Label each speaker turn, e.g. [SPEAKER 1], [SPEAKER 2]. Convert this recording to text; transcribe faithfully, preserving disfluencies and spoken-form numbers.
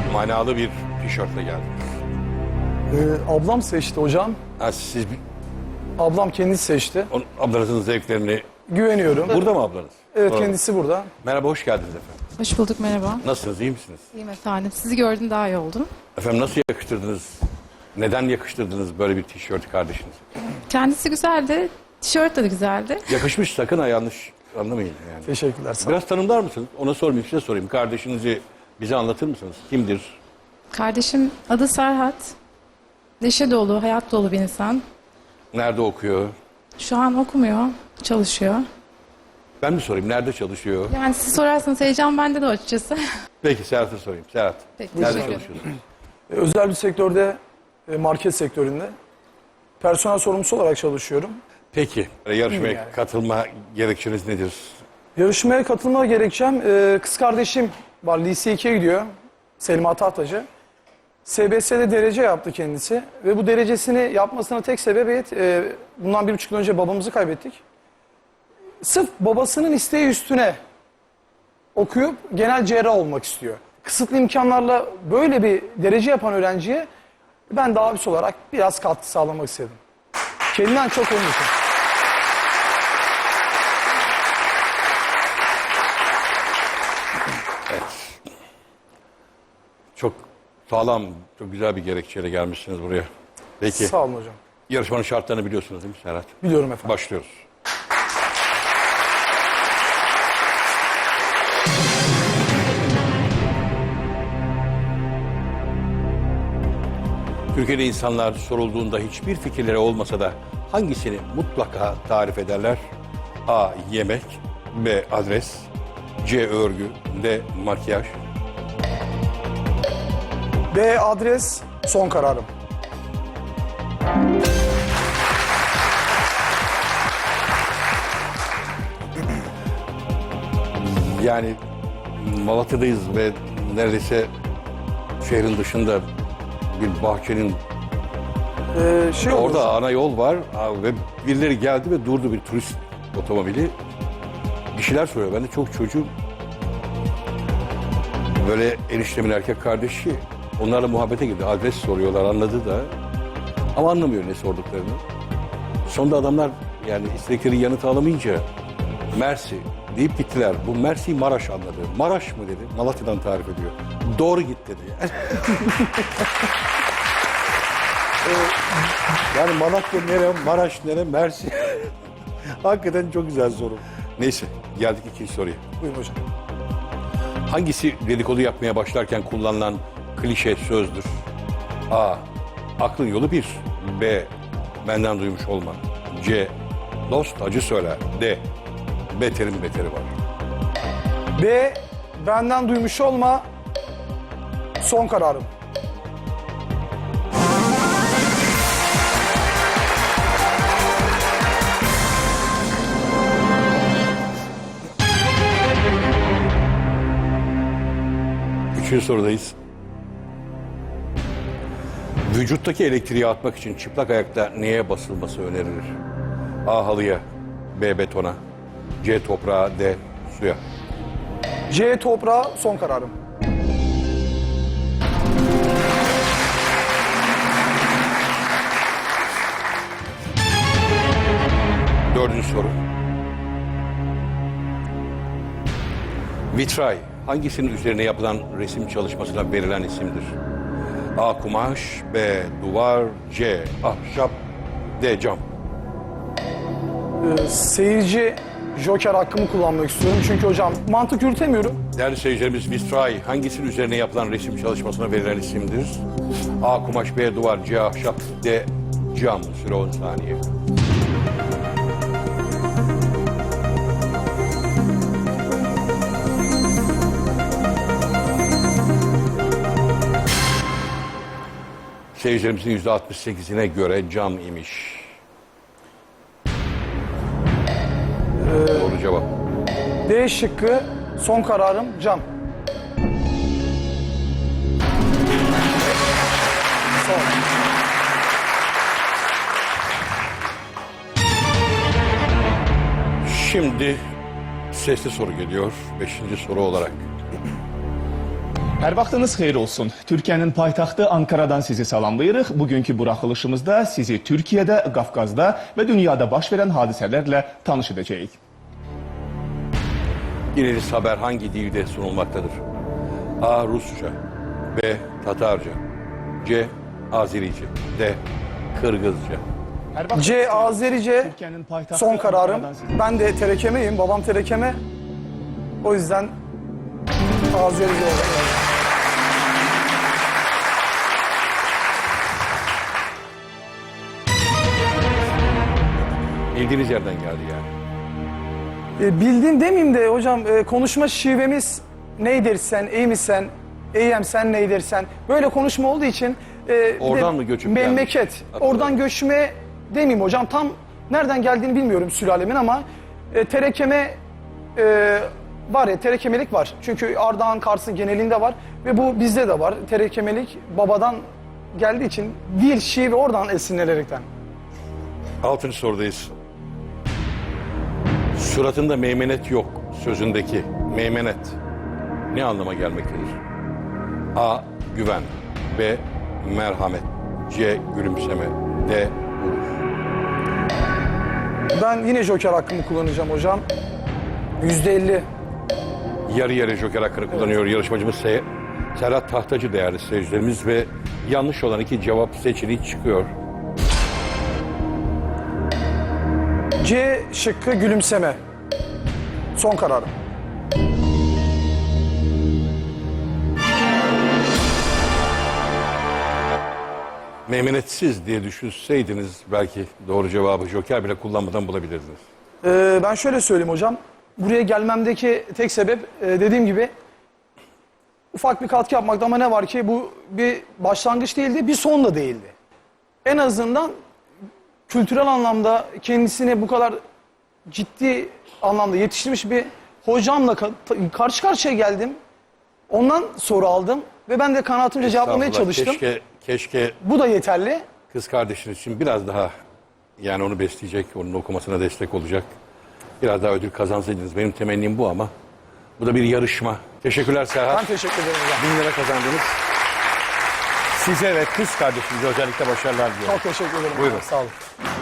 [SPEAKER 1] manalı bir tişörtle geldiniz.
[SPEAKER 2] Ee, ablam seçti hocam.
[SPEAKER 1] Ha, siz bir-
[SPEAKER 2] Ablam kendisi seçti.
[SPEAKER 1] onun, ablanızın zevklerini...
[SPEAKER 2] Güveniyorum.
[SPEAKER 1] Burada mı ablanız?
[SPEAKER 2] Evet,
[SPEAKER 1] Doğru.
[SPEAKER 2] kendisi burada.
[SPEAKER 1] Merhaba, hoş geldiniz efendim.
[SPEAKER 3] Hoş bulduk, merhaba.
[SPEAKER 1] Nasılsınız, iyi misiniz?
[SPEAKER 3] İyiyim efendim. Sizi gördüm, daha iyi oldum.
[SPEAKER 1] Efendim nasıl yakıştırdınız? Neden yakıştırdınız böyle bir tişörtü kardeşinize?
[SPEAKER 3] Kendisi güzeldi, tişört de güzeldi.
[SPEAKER 1] Yakışmış, sakın ha yanlış anlamayın yani.
[SPEAKER 2] Teşekkürler. Sağ olun.
[SPEAKER 1] Biraz tanımlar mısınız? Ona sormayayım, size sorayım. Kardeşinizi bize anlatır mısınız? Kimdir?
[SPEAKER 3] Kardeşim adı Serhat. Neşe dolu, hayat dolu bir insan.
[SPEAKER 1] Nerede okuyor?
[SPEAKER 3] Şu an okumuyor, çalışıyor.
[SPEAKER 1] Ben mi sorayım? Nerede çalışıyor?
[SPEAKER 3] Yani siz sorarsanız heyecan bende de açıkçası.
[SPEAKER 1] Peki Serhat'a sorayım. Serhat,
[SPEAKER 3] Peki,
[SPEAKER 1] nerede
[SPEAKER 3] teşekkür ederim.
[SPEAKER 1] çalışıyorsun?
[SPEAKER 2] Ee, Özel bir sektörde, e, market sektöründe personel sorumlusu olarak çalışıyorum.
[SPEAKER 1] Peki, yarışmaya
[SPEAKER 2] yani.
[SPEAKER 1] katılma gerekçeniz nedir?
[SPEAKER 2] Yarışmaya katılma gerekçem, e, kız kardeşim var, lise ikiye gidiyor. Selma Tahtacı. S B S'de derece yaptı kendisi. Ve bu derecesini yapmasına tek sebebiyet, e, bundan bir buçuk yıl önce babamızı kaybettik. Sırf babasının isteği üstüne okuyup genel cerrah olmak istiyor. Kısıtlı imkanlarla böyle bir derece yapan öğrenciye ben de abisi olarak biraz katkı sağlamak istedim. Kendinden çok onun için.
[SPEAKER 1] Çok sağlam, çok güzel bir gerekçeyle gelmişsiniz buraya. Peki,
[SPEAKER 2] Sağ olun hocam.
[SPEAKER 1] yarışmanın şartlarını biliyorsunuz değil mi Serhat?
[SPEAKER 2] Biliyorum efendim.
[SPEAKER 1] Başlıyoruz. Türkiye'de insanlar sorulduğunda hiçbir fikirleri olmasa da hangisini mutlaka tarif ederler? A. Yemek, B. Adres, C. Örgü, D. Makyaj.
[SPEAKER 2] B adres son kararım.
[SPEAKER 1] Yani Malatya'dayız ve neredeyse şehrin dışında bir bahçenin
[SPEAKER 2] Ee, şey olur.
[SPEAKER 1] orada ana yol var ha, ve birileri geldi ve durdu, bir turist otomobili. Bir şeyler soruyor. Ben de çok çocuğum. Böyle eniştemin erkek kardeşi onlarla muhabbete girdi. Adres soruyorlar, anladı da. Ama anlamıyor ne sorduklarını. Sonunda adamlar yani istedikleri yanıtı alamayınca Mersi deyip gittiler. Bu Mersi Maraş anladı. Maraş mı dedi. Malatya'dan tarif ediyor. Doğru git dedi. Yani, yani Malatya nere, Maraş nere, Mersi. Hakikaten çok güzel soru. Neyse, geldik ikinci soruya.
[SPEAKER 2] Buyurun hocam.
[SPEAKER 1] Hangisi dedikodu yapmaya başlarken kullanılan klişe sözdür? A. Aklın yolu bir. B. Benden duymuş olma. C. Dost acı söyler. D. Beterin beteri var.
[SPEAKER 2] B benden duymuş olma son kararım.
[SPEAKER 1] Üçüncü sorudayız. Vücuttaki elektriği atmak için çıplak ayakta neye basılması önerilir? A. Halıya. B. Betona. C. Toprağa. D. Suya.
[SPEAKER 2] C toprağı son kararım.
[SPEAKER 1] Dördüncü soru. Vitray hangisinin üzerine yapılan resim çalışmasına verilen isimdir? A. Kumaş. B. Duvar. C. Ahşap. D. Cam.
[SPEAKER 2] Ee, seyirci joker hakkımı kullanmak istiyorum. Çünkü hocam mantık yürütemiyorum.
[SPEAKER 1] Değerli seyircilerimiz, Vitray hangisinin üzerine yapılan resim çalışmasına verilen isimdir? A. Kumaş. B. Duvar. C. Ahşap. D. Cam. Süre on saniye. Seyircilerimizin yüzde altmış sekizine göre cam imiş. Doğru cevap.
[SPEAKER 2] D şıkkı son kararım cam. Sağ olun.
[SPEAKER 1] Şimdi sesli soru geliyor. Beşinci soru olarak.
[SPEAKER 4] Hər vaxtınız xeyir olsun. Türkiyənin paytaxtı Ankara'dan sizi salamlayırıq. Bugünkü buraxılışımızda sizi Türkiyədə, Qafqazda və dünyada baş verən hadisələrlə tanış edəcəyik.
[SPEAKER 1] Dinlediğiniz haber hangi dilde sunulmaktadır? A. Rusça, B. Tatarca, C. Azerice, D. Kırgızca.
[SPEAKER 4] Hər vaxtınız
[SPEAKER 2] C.
[SPEAKER 4] xeyir olsun.
[SPEAKER 2] Azerice
[SPEAKER 4] Türkiyənin paytaxtı
[SPEAKER 2] son kararım.
[SPEAKER 4] Ankara'dan sizi-
[SPEAKER 2] Ben de terekemeyim. Babam terekeme. O yüzden Azerice olarak.
[SPEAKER 1] Bildiğiniz yerden geldi yani.
[SPEAKER 2] E, bildim demeyeyim de hocam e, konuşma şivemiz neydir sen, iyi misin, iyiyim sen neydir sen. Böyle konuşma olduğu için. e, bir
[SPEAKER 1] Oradan
[SPEAKER 2] de
[SPEAKER 1] mı göçüp
[SPEAKER 2] Memleket.
[SPEAKER 1] gelmiş?
[SPEAKER 2] Oradan göçme demeyeyim hocam. Tam nereden geldiğini bilmiyorum sülalemin ama e, terekeme e, var ya, terekemelik var. Çünkü Ardahan, Kars'ın genelinde var ve bu bizde de var. Terekemelik babadan geldiği için dil, şive oradan esinlenerekten.
[SPEAKER 1] Altıncı sorudayız. Suratında meymenet yok sözündeki meymenet ne anlama gelmektedir? A. Güven, B. Merhamet, C. Gülümseme, D. Vuruş.
[SPEAKER 2] Ben yine joker hakkımı kullanacağım hocam. yüzde elli.
[SPEAKER 1] Yarı yarı joker hakkını kullanıyor yarışmacımız Se Serhat Tahtacı değerli seyircilerimiz ve yanlış olan iki cevap seçeneği çıkıyor.
[SPEAKER 2] C şıkkı gülümseme. Son kararım.
[SPEAKER 1] Meymenetsiz diye düşünseydiniz belki doğru cevabı joker bile kullanmadan bulabilirdiniz.
[SPEAKER 2] Ee, ben şöyle söyleyeyim hocam. Buraya gelmemdeki tek sebep e, dediğim gibi ufak bir katkı yapmakta ama ne var ki bu bir başlangıç değildi, bir son da değildi. En azından kültürel anlamda kendisini bu kadar ciddi anlamda yetiştirmiş bir hocamla ka- ta- karşı karşıya geldim. Ondan soru aldım ve ben de kanaatimce cevaplamaya
[SPEAKER 1] Estağfurullah,
[SPEAKER 2] çalıştım.
[SPEAKER 1] Keşke, keşke
[SPEAKER 2] Bu da yeterli.
[SPEAKER 1] kız kardeşiniz için biraz daha yani onu besleyecek, onun okumasına destek olacak. Biraz daha ödül kazansaydınız. Benim temennim bu ama bu da bir yarışma. Teşekkürler Serhat.
[SPEAKER 2] Ben teşekkür ederim hocam.
[SPEAKER 1] Bin lira kazandınız. Size ve kız kardeşinize özellikle başarılar diliyorum.
[SPEAKER 2] Çok teşekkür ederim.
[SPEAKER 1] Buyurun.
[SPEAKER 2] Sağ olun.